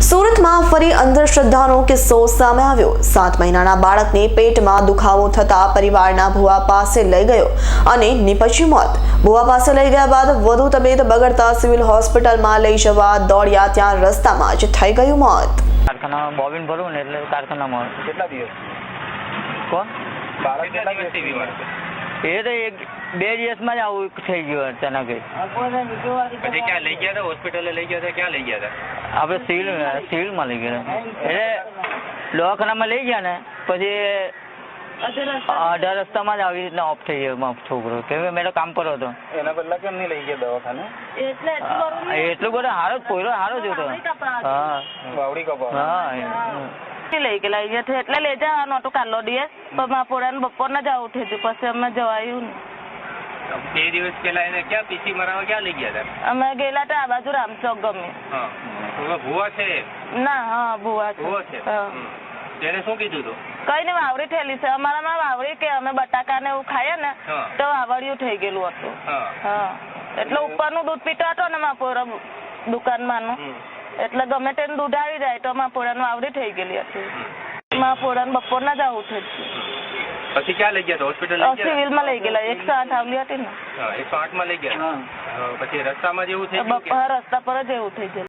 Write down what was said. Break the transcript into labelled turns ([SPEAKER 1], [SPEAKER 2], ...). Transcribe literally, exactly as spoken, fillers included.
[SPEAKER 1] સુરતમાં ફરી અંધશ્રદ્ધાનો કિસ્સો સામે આવ્યો। સાત મહિનાના બાળકને પેટમાં દુખાવો થતા પરિવારના ભુવા પાસે લઈ ગયો અને નિપજ્યું મોત। ભુવા પાસે લઈ ગયા બાદ વધુ તબિયત બગડતા સિવિલ હોસ્પિટલમાં લઈ જવા દોડ્યા, ત્યાં રસ્તામાં જ થઈ ગયું મોત।
[SPEAKER 2] કારખાના બોબિન ભરવું ને એટલે કારખાનામાં
[SPEAKER 3] કેટલા દિવસ
[SPEAKER 2] કોણ
[SPEAKER 3] બાળક કેટલા દિવસથી બીમાર છે?
[SPEAKER 2] એ તો એક બે દિવસમાં જ આવું થઈ ગયું અચાનક।
[SPEAKER 3] પછી ક્યાં લઈ ગયા હતા? હોસ્પિટલે લઈ ગયા હતા? ક્યાં લઈ ગયા હતા?
[SPEAKER 2] આપણે સિવિલ સિવિલમાં લઈ ગયા એટલે દવાખાનામાં લઈ ગયા ને પછી અઢાર રસ્તામાં જ આવી રીતના ઓફ થઈ ગયો છોકરો, કેમ કે મેં કામ પર હતો।
[SPEAKER 3] એના પહેલા કેમ નહીં લઈ ગયા દવાખાને?
[SPEAKER 2] એટલું બધું સારો જ પોયરો સારો જ હતો। હા
[SPEAKER 3] વાવડી કપા
[SPEAKER 2] હા લઈ ગયેલા અહીંયાથી એટલે લઈ જવાનું હતું કાલો દિવસ, પણ મારા પોરાને બપોરના જ આવું થયું, પછી અમે જવાયું ને।
[SPEAKER 3] બે દિવસ પહેલા એને ક્યાં પીસી મરાવા ક્યાં લઈ ગયા હતા?
[SPEAKER 2] અમે ગયેલા હતા આ બાજુ રામચોક ગમે।
[SPEAKER 3] હા, ભુવા છે?
[SPEAKER 2] ના, હા ભુવા
[SPEAKER 3] ભુવા છે।
[SPEAKER 2] છે।
[SPEAKER 3] તેને શું કીધું તું?
[SPEAKER 2] કઈ નહીં, વાવડી થયેલી છે અમારામાં વાવડી, કે અમે બટાકા ને એવું ખાઈએ ને તો વાવડિયું થઈ ગયેલું હતું। હા, એટલે ઉપરનું દૂધ પીતો હતો ને મારા પોરા દુકાનમાંનું, એટલે ગમે તેને દૂધ આવી જાય તો મારા પોરાનું વાવડી થઈ ગયેલી હતી। મારા પોરાને બપોરના જ આવું થયું।
[SPEAKER 3] પછી ક્યાં લઈ ગયા? હોસ્પિટલ
[SPEAKER 2] સિવિલમાં લઈ ગયેલા, એકસો આઠ આવલી હતી ને,
[SPEAKER 3] એકસો આઠ માં લઈ ગયા। પછી રસ્તામાં જેવું થઈ
[SPEAKER 2] રસ્તા પર જ એવું થઈ ગયેલું।